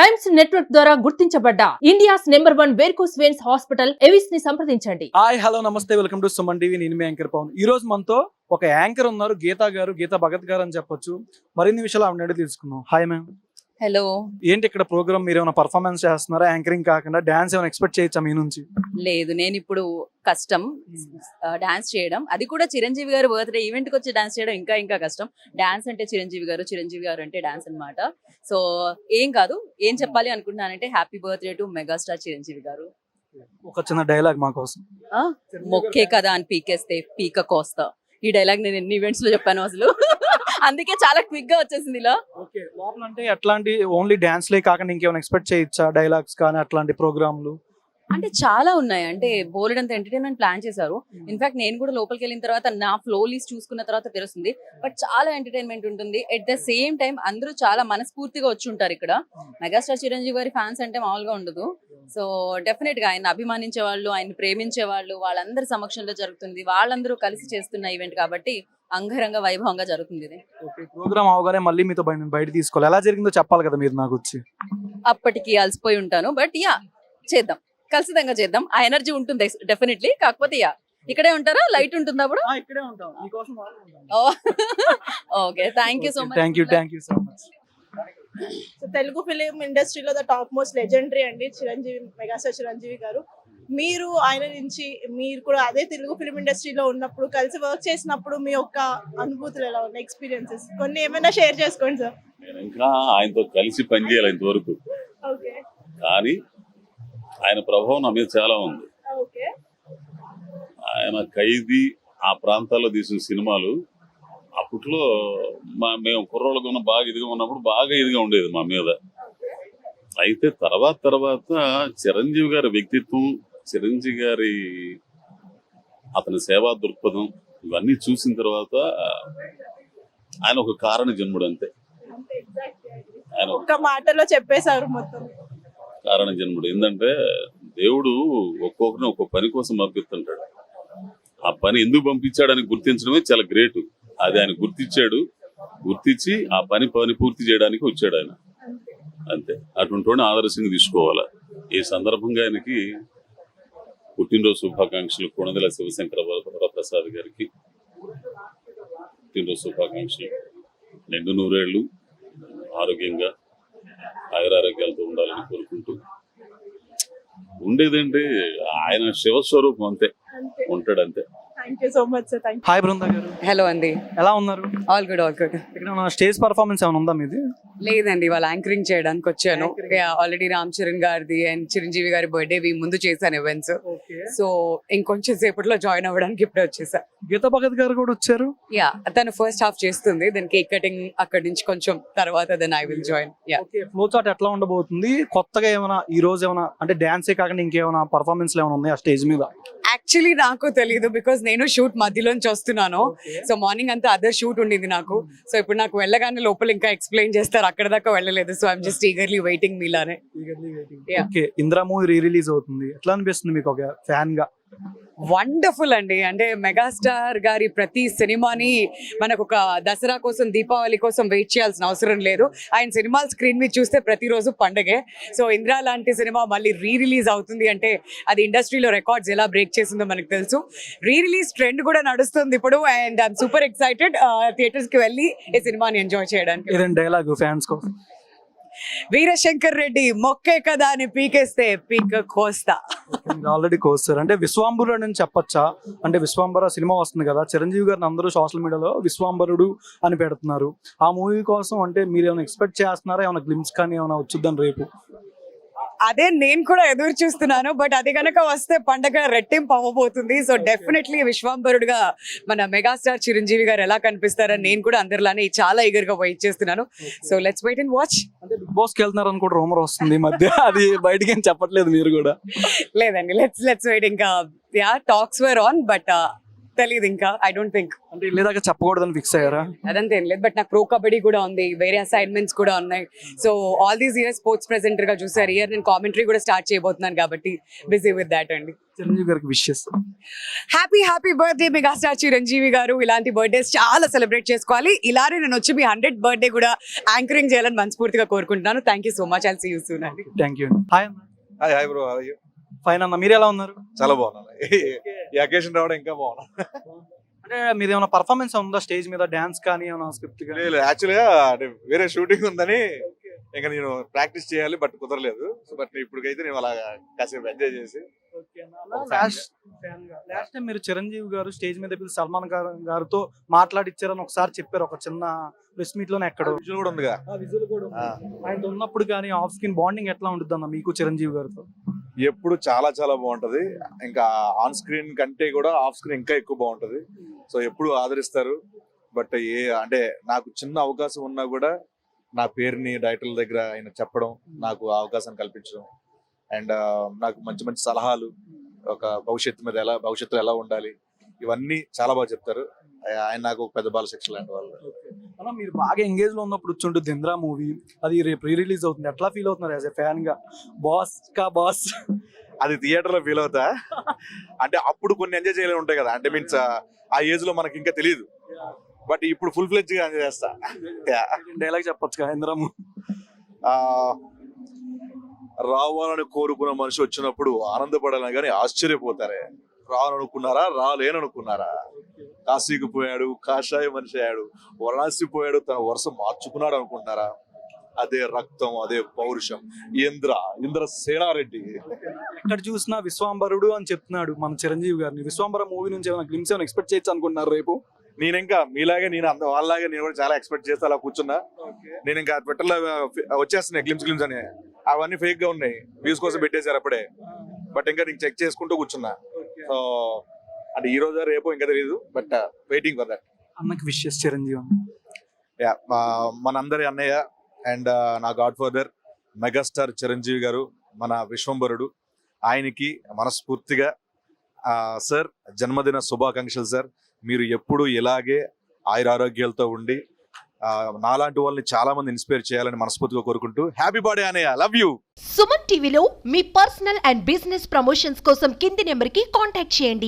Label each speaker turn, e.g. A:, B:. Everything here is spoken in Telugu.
A: టైమ్స్ నెట్వర్క్ ద్వారా గుర్తించబడ్డ India's #1 varicose veins hospital Avis ని సంప్రదించండి.
B: హాయ్ హలో నమస్తే, వెల్కమ్ టు సుమన్ టీవీ. నేను మీ యాంకర్ పవన్. ఈ రోజు మనతో ఒక యాంకర్ ఉన్నారు, గీతా భగత్ గారు అని చెప్పొచ్చు. మరిన్ని విషయాలు ఆవిడ అడిగి తెలుసుకుందాం. Hi ma'am.
C: హలో.
B: ఏంటి ఇక్కడ ప్రోగ్రామ్, మీరు ఏమైనా పర్ఫార్మెన్స్ చేస్తున్నారా? యాంకరింగ్ కాకుండా డాన్స్ ఏమైనా ఎక్స్పెక్ట్ చేయొచ్చా మీ నుంచి?
C: లేదు, నేను ఇప్పుడు కష్టం డాన్స్ చేయడం, అది కూడా చిరంజీవి గారు బర్త్డే ఈవెంట్ కి వచ్చి డాన్స్ చేయడం ఇంకా కష్టం. డాన్స్ అంటే చిరంజీవి గారు అంటే డాన్స్ అన్నమాట. సో ఏం కాదు, ఏం చెప్పాలి అనుకుంటున్నానంటే happy birthday to megastar Chiranjeevi garu.
B: ఒక చిన్న డైలాగ్ మా కోసం.
C: మొక్కే కదా అని పీకేస్తే పీక కోస్తా. ఈ డైలాగ్ నేను ఎన్ని ఈవెంట్స్ లో చెప్పాను అసలు. అందుకే చాలా క్విక్ గా వచ్చేసింది ఇలా. ఓకే,
B: లోపల అంటే అట్లాంటి ఓన్లీ డాన్స్ లే కాకుండా ఇంకేమైనా ఎక్స్పెక్ట్ చేయొచ్చా? డైలాగ్స్ కానీ అట్లాంటి ప్రోగ్రామ్లు
C: అంటే చాలా ఉన్నాయి. అంటే బోలెడంత ఎంటర్టైన్మెంట్ ప్లాన్ చేశారు. ఇన్ఫాక్ట్ నేను కూడా లోపలికి వెళ్ళిన తర్వాత నా ఫ్లో లిస్ట్ చూసుకున్న తర్వాత తెలుస్తుంది. బట్ చాలా ఎంటర్టైన్మెంట్ ఉంటుంది. ఎట్ ద సేమ్ టైం అందరూ చాలా మనస్ఫూర్తిగా వచ్చి ఉంటారు ఇక్కడ. మెగాస్టార్ చిరంజీవి గారి ఫ్యాన్స్ అంటే మామూలుగా ఉండదు. సో డెఫినెట్ గా ఆయన అభిమానించే వాళ్ళు, ఆయన ప్రేమించే వాళ్ళు, వాళ్ళందరి సమక్షంలో జరుగుతుంది. వాళ్ళందరూ కలిసి చేస్తున్న ఈవెంట్ కాబట్టి అంగరంగ వైభవంగా జరుగుతుంది ఇది.
B: ప్రోగ్రామ్ అవగానే మళ్ళీ మీతో బయట తీసుకోవాలి. ఎలా జరిగిందో చెప్పాలి కదా మీరు నాకు వచ్చి.
C: అప్పటికి అలసిపోయి ఉంటాను. బట్ యా, చేద్దాం, ఖచ్చితంగా చేద్దాం. ఆ ఎనర్జీ ఉంటుంది డెఫినెట్లీ. కాకపోతే యా, ఇక్కడే ఉంటారా? లైట్ ఉంటుంది అప్పుడు? Okay, thank you so much.
B: Thank you so much.
D: So Telugu film ఇండస్ట్రీలో ద టాప్ మోస్ట్ లెజెండరీ అండి మెగాస్టార్ చిరంజీవి గారు. మీరు ఆయన నుంచి, మీరు కూడా అదే తెలుగు ఫిలిం ఇండస్ట్రీలో ఉన్నప్పుడు, కలిసి వర్క్ చేసినప్పుడు మీ యొక్క అనుభూతులు ఎలా ఉన్నాయి, ఎక్స్పీరియన్సెస్ కొన్ని ఏమైనా షేర్ చేసుకోండి సార్.
E: నేను ఇంకా ఆయనతో కలిసి పనిచేయాలి ఇంతవరకు.
D: ఓకే.
E: కానీ ఆయన ప్రభావం నా మీద చాలా ఉంది.
D: ఓకే.
E: ఆయన ఖైదీ ఆ ప్రాంతాల్లో తీసిన సినిమాలు అప్పట్లో మేము కుర్రోళ్ళకు ఉన్న బాగా ఇదిగా ఉన్నప్పుడు బాగా ఇదిగా ఉండేది మా మీద. అయితే తర్వాత చిరంజీవి గారి వ్యక్తిత్వం, చిరంజీవి గారి అతని సేవా దృక్పథం ఇవన్నీ చూసిన తర్వాత ఆయన ఒక కారణ జన్ముడు అంతే. ఆయన
D: ఒక మాటలో చెప్పేశారు మొత్తం.
E: కారణ జన్ముడు ఏంటంటే, దేవుడు ఒక్కొక్కరిని ఒక్కొక్క పని కోసం పంపిస్తుంటాడు. ఆ పని ఎందుకు పంపించాడని గుర్తించడమే చాలా గ్రేట్. అది ఆయన గుర్తించి ఆ పని పూర్తి చేయడానికి వచ్చాడు ఆయన, అంతే. అటువంటి వాడిని ఆదర్శంగా తీసుకోవాలా. ఈ సందర్భంగా ఆయనకి పుట్టినరోజు శుభాకాంక్షలు. కొణిదెల శివశంకర వరప్రసాద్ గారికి పుట్టినరోజు శుభాకాంక్షలు. నిండు నూరేళ్లు ఆరోగ్యంగా ఆయురారోగ్యాలతో ఉండాలని కోరుకుంటూ, ఉండేదంటే ఆయన శివస్వరూపం అంతే, ఉంటాడు అంతే.
D: Thank you so much sir. Thank you.
B: Hi Brinda గారు.
F: హలో అండి.
B: ఎలా ఉన్నారు?
F: All good.
B: ఇక్కడ స్టేజ్ పర్ఫార్మెన్స్ ఏమైనా ఉందా మీది?
F: లేదండి, వాళ్ళ యాంకరింగ్ చేయడానికి వచ్చాను. ఆల్రెడీ రామ్ చరణ్ గారిది అండ్ చిరంజీవి గారి బర్త్డే ముందు చేశాను ఈవెంట్స్. సో ఇంకొంచెం సేపట్లో జాయిన్ అవ్వడానికి ఇప్పుడే వచ్చేసా.
B: గీతా భగత్ గారు కూడా వచ్చారు.
F: యా, తను ఫస్ట్ హాఫ్ చేస్తుంది, దెన్ కేక్ కటింగ్ అక్కడి నుంచి కొంచెం తర్వాత then I will join. Yeah.
B: Flow chart ఎట్లా ఉండబోతుంది? కొత్తగా ఏమైనా ఈ రోజు ఏమైనా అంటే డాన్సే కాకుండా ఇంకేమైనా పర్ఫార్మెన్స్ ఏమైనా ఉన్నాయి ఆ స్టేజ్ మీద?
F: యాక్చువల్లీ నాకు తెలియదు, బికాస్ నేను షూట్ మధ్యలోంచి వస్తున్నాను. సో మార్నింగ్ అంతా అదర్ షూట్ ఉండింది నాకు. సో ఇప్పుడు నాకు వెళ్ళగానే లోపల ఇంకా ఎక్స్ప్లెయిన్ చేస్తారు, అక్కడ దాకా వెళ్ళలేదు. So I'm just eagerly waiting మీలానే.
B: Okay, Indra movie re release అవుతుంది, ఎట్లా అనిపిస్తుంది మీకు ఒక ఫ్యాన్ గా?
F: వండర్ఫుల్ అండి. అంటే మెగాస్టార్ గారి ప్రతి సినిమాని మనకు ఒక దసరా కోసం, దీపావళి కోసం వెయిట్ చేయాల్సిన అవసరం లేదు. ఆయన సినిమాలు స్క్రీన్ మీద చూస్తే ప్రతిరోజు పండగే. సో ఇంద్రా లాంటి సినిమా మళ్ళీ రీ రిలీజ్ అవుతుంది అంటే అది ఇండస్ట్రీలో రికార్డ్స్ ఎలా బ్రేక్ చేసిందో మనకు తెలుసు. రీ రిలీజ్ ట్రెండ్ కూడా నడుస్తుంది ఇప్పుడు. And I'm super excited theatres కి వెళ్ళి ఈ సినిమాని ఎంజాయ్ చేయడానికి.
B: డైలాగ్ ఫ్యాన్స్ కోసం.
F: వీరశంకర్ రెడ్డి మొక్కే కదా అని పీకేస్తే పీక కోస్తా.
B: ఆల్రెడీ కోస్తారు అంటే విశ్వాంబరుడు అని చెప్పొచ్చా? అంటే విశ్వాంబర సినిమా వస్తుంది కదా, చిరంజీవి గారిని అందరూ సోషల్ మీడియాలో విశ్వాంబరుడు అని పెడుతున్నారు. ఆ మూవీ కోసం అంటే మీరు ఏమైనా ఎక్స్పెక్ట్ చేస్తున్నారా? ఏమైనా గ్లిమ్స్ కానీ ఏమైనా వచ్చిద్దాం రేపు?
F: అదే నేను కూడా ఎదురు చూస్తున్నాను. బట్ అది కనుక వస్తే పండగ రెట్టింపు అవ్వబోతుంది. సో డెఫినెట్లీ విశ్వాంబరుడుగా మన మెగాస్టార్ చిరంజీవి గారు ఎలా కనిపిస్తారని నేను కూడా అందరిలానే చాలా ఈగర్ గా వెయిట్ చేస్తున్నాను. So let's wait and watch.
B: అంటే బిగ్ బాస్ కి వెళ్తున్నారని కూడా రూమర్ వస్తుంది మధ్య, అది బయటకి ఏం చెప్పట్లేదు మీరు కూడా?
F: లేదండి, లెట్స్ వెయిట్. ఇంకా yeah, talks were on, but తెలియదు ఇంకా, ఐ డోంట్ థింక్.
B: అంటే వెళ్ళేదాకా చెప్పకూడదని ఫిక్స్ అయ్యారా?
F: అదంతా ఏం లేదు, బట్ నాకు ప్రో కబడ్డీ కూడా ఉంది, వేరే అసైన్మెంట్స్ కూడా ఉన్నాయి. So all these years sports presenter గా చూసారు, ఇయర్ నేను కామెంటరీ కూడా స్టార్ట్ చేయబోతున్నాను కాబట్టి బిజీ విత్ దాట్ అండి.
B: చిరంజీవి గారికి wishes.
F: Happy birthday megastar Chiranjeevi గారు. ఇలాంటి బర్త్డేస్ చాలా సెలబ్రేట్ చేసుకోవాలి. ఇలానే నేను వచ్చి మీ 100th బర్త్డే కూడా యాంకరింగ్ చేయాలని మనస్ఫూర్తిగా కోరుకుంటున్నాను. Thank you so much. I'll see you soon అండి.
B: థ్యాంక్ యూ అండి. హాయ్ అన్న.
G: Hi bro, how are you?
B: Fine అన్న, మీరు ఎలా ఉన్నారు?
G: చాలా బాగున్నాను. ఈ అకేషన్ రావడం ఇంకా బాగున్నా.
B: అంటే మీరు ఏమైనా పర్ఫార్మెన్స్ ఉందా స్టేజ్ మీద, డాన్స్ కానీ ఏమైనా స్క్రిప్ట్ కానీ?
G: లేదు, యాక్చువల్గా అంటే వేరే షూటింగ్ ఉందని ఇంకా నేను ప్రాక్టీస్ చేయాలి, బట్ కుదరలేదు. సో బట్ ఇప్పటికైతే నేను అలా కాసేపు ఎంజాయ్ చేసి.
B: లాస్ట్ టైం మీరు చిరంజీవి గారు స్టేజ్ మీద పిలిచి సల్మాన్ గారితో మాట్లాడిచ్చారని ఒకసారి చెప్పారు, ఒక చిన్న ప్రెస్ మీట్ లోనే. ఎక్కడ
G: విజువల్ కూడా ఉందిగా.
B: ఆయన ఉన్నప్పుడు కానీ ఆఫ్ స్క్రీన్ బాండింగ్ ఎట్లా ఉంటుంది అన్న మీకు చిరంజీవి గారితో?
G: ఎప్పుడు చాలా చాలా బాగుంటది. ఇంకా ఆన్ స్క్రీన్ కంటే కూడా ఆఫ్ స్క్రీన్ ఇంకా ఎక్కువ బాగుంటది. సో ఎప్పుడు ఆదరిస్తారు. బట్ అంటే నాకు చిన్న అవకాశం ఉన్నా కూడా నా పేరుని డైరెక్టర్ల దగ్గర ఆయన చెప్పడం, నాకు ఆ అవకాశం కల్పించడం, అండ్ నాకు మంచి మంచి సలహాలు, ఒక భవిష్యత్తులో ఎలా ఉండాలి, ఇవన్నీ చాలా బాగా చెప్తారు. ఆయన నాకు ఒక పెద్ద బాలశిక్ష లాంటి వాళ్ళు.
B: అన్న, మీరు బాగా ఎంగేజ్ లో ఉన్నప్పుడు వచ్చుంటుంది ఇంద్రా మూవీ, అది రేపు రీ రిలీజ్ అవుతుంది. ఎట్లా ఫీల్ అవుతున్నారు యాజ్ ఎ ఫ్యాన్ గా? బాస్
G: అది థియేటర్ లో ఫీల్ అవుతా. అంటే అప్పుడు కొన్ని ఎంజాయ్ చేయలే ఉంటాయి కదా, అంటే మీన్స్ ఆ ఏజ్ లో మనకి ఇంకా తెలియదు. బట్ ఇప్పుడు ఫుల్ ఫ్లెడ్జ్ గా ఎంజాయ్ చేస్తా.
B: డైలాగ్ చెప్పొచ్చు ఇంద్రా మూవీ.
G: రావాలని కోరుకున్న మనిషి వచ్చినప్పుడు ఆనందపడాలని కానీ ఆశ్చర్యపోతారే. రావాలనుకున్నారా, రాలేననుకున్నారా? కాశీకి పోయాడు, కాషాయ మనిషి అయ్యాడు, వరణాసి పోయాడు, తన వరుస మార్చుకున్నాడు అనుకుంటున్నారా? అదే రక్తం, అదే పౌరుషం. ఇంద్ర సేనారెడ్డి.
B: ఎక్కడ చూసినా విశ్వాంబరుడు అని చెప్తున్నాడు మన చిరంజీవి గారిని. విశ్వాంబర మూవీ నుంచి ఏమైనా గ్లిమ్స్ ఏమైనా ఎక్స్పెక్ట్ చేయొచ్చు అనుకుంటున్నారు రేపు?
G: నేను ఇంకా మీలాగే వాళ్ళలాగే నేను కూడా చాలా ఎక్స్పెక్ట్ చేస్తా. అలా కూర్చున్నా. నేను ఇంకా ట్విట్టర్లో వచ్చేస్తున్నాయి గ్లిమ్స్ అని. అవన్నీ ఫేక్ గా ఉన్నాయి, వ్యూస్ కోసం పెట్టేశారు అప్పుడే. బట్ ఇంకా నేను చెక్ చేసుకుంటూ కూర్చున్నా. సో అంటే ఈ రోజు రేపు ఇంకా తెలియదు, బట్ వెయిటింగ్ ఫర్ దట్.
B: అన్నకి విషెస్ చిరంజీవి.
G: మనందరి అన్నయ్య అండ్ నా గాడ్ ఫాదర్ మెగాస్టార్ చిరంజీవి గారు, మన విశ్వంబరుడు, ఆయనకి మనస్ఫూర్తిగా సార్ జన్మదిన శుభాకాంక్షలు సార్. మీరు ఎప్పుడు ఇలాగే ఆయురారోగ్యాలతో ఉండి నాలాంటి వాళ్ళని చాలా మంది ఇన్స్పైర్ చేయాలని మనస్ఫూర్తిగా కోరుకుంటూ హ్యాపీ బర్త్డే అన్నయ్య, లవ్ యూ.
H: సుమన్ టీవీలో మీ పర్సనల్ అండ్ బిజినెస్ ప్రమోషన్స్ కోసం కింది నెంబర్కి కాంటాక్ట్ చేయండి.